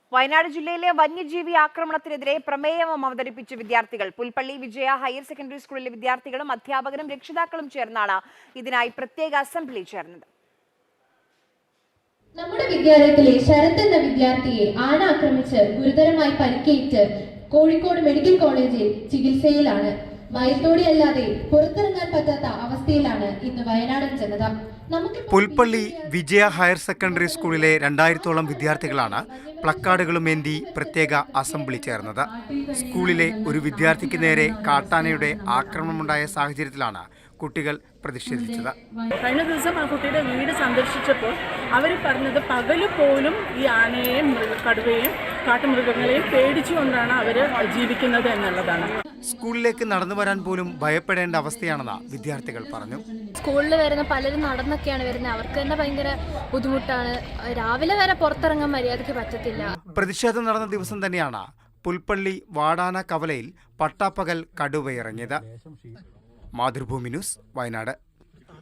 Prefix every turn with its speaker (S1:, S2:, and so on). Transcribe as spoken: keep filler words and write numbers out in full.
S1: വയനാട് ജില്ലയിലെ വന്യജീവി ആക്രമണത്തിനെതിരെ പ്രമേയം അവതരിപ്പിച്ച വിദ്യാർത്ഥികൾ. പുൽപ്പള്ളി വിജയ ഹയർ സെക്കൻഡറി സ്കൂളിലെ വിദ്യാർത്ഥികളും അധ്യാപകരും രക്ഷിതാക്കളും ചേർന്നാണ് ഇതിനായി പ്രത്യേക അസംബ്ലി ചേർന്നത്.
S2: നമ്മുടെ വിദ്യാലയത്തിലെ ശരത് എന്ന വിദ്യാർത്ഥിയെ ആണാക്രമിച്ച് ഗുരുതരമായി പരിക്കേറ്റ് കോഴിക്കോട് മെഡിക്കൽ കോളേജിൽ ചികിത്സയിലാണ്. ഭയത്തോടെയല്ലാതെ പുറത്തിറങ്ങാൻ പറ്റാത്ത അവസ്ഥയിലാണ് ഇന്ന് വയനാടൻ ജനത.
S3: പുൽപ്പള്ളി വിജയ ഹയർ സെക്കൻഡറി സ്കൂളിലെ രണ്ടായിരത്തോളം വിദ്യാർത്ഥികളാണ് പ്ലക്കാർഡുകളുമേന്തി പ്രത്യേക അസംബ്ലി ചേർന്നത്. സ്കൂളിലെ ഒരു വിദ്യാർത്ഥിക്ക് നേരെ കാട്ടാനയുടെ ആക്രമണമുണ്ടായ സാഹചര്യത്തിലാണ് കുട്ടികൾ പ്രതിഷേധിച്ചത്.
S4: കഴിഞ്ഞ ദിവസം ആ കുട്ടിയുടെ വീട് സന്ദർശിച്ചപ്പോൾ അവർ പറഞ്ഞത് പകല് പോലും ഈ ആനയെയും കടുവയെയും കാട്ടുമൃഗങ്ങളെയും പേടിച്ചുകൊണ്ടാണ് അവർ ജീവിക്കുന്നത് എന്നുള്ളതാണ്.
S3: സ്കൂളിലേക്ക് നടന്നു വരാൻ പോലും ഭയപ്പെടേണ്ട അവസ്ഥയാണെന്ന് വിദ്യാർത്ഥികൾ പറഞ്ഞു.
S5: സ്കൂളിൽ വരുന്ന പലരും നടന്നൊക്കെയാണ് വരുന്നത്. അവർക്ക് തന്നെ ഭയങ്കര ബുദ്ധിമുട്ടാണ്. രാവിലെ വരെ പുറത്തിറങ്ങാൻ മര്യാദയ്ക്ക് പറ്റത്തില്ല.
S3: പ്രതിഷേധം നടന്ന ദിവസം തന്നെയാണ് പുൽപ്പള്ളി വാടാന കവലയിൽ പട്ടാപ്പകൽ കടുവയിറങ്ങിയത്. മാതൃഭൂമി ന്യൂസ്, വയനാട്.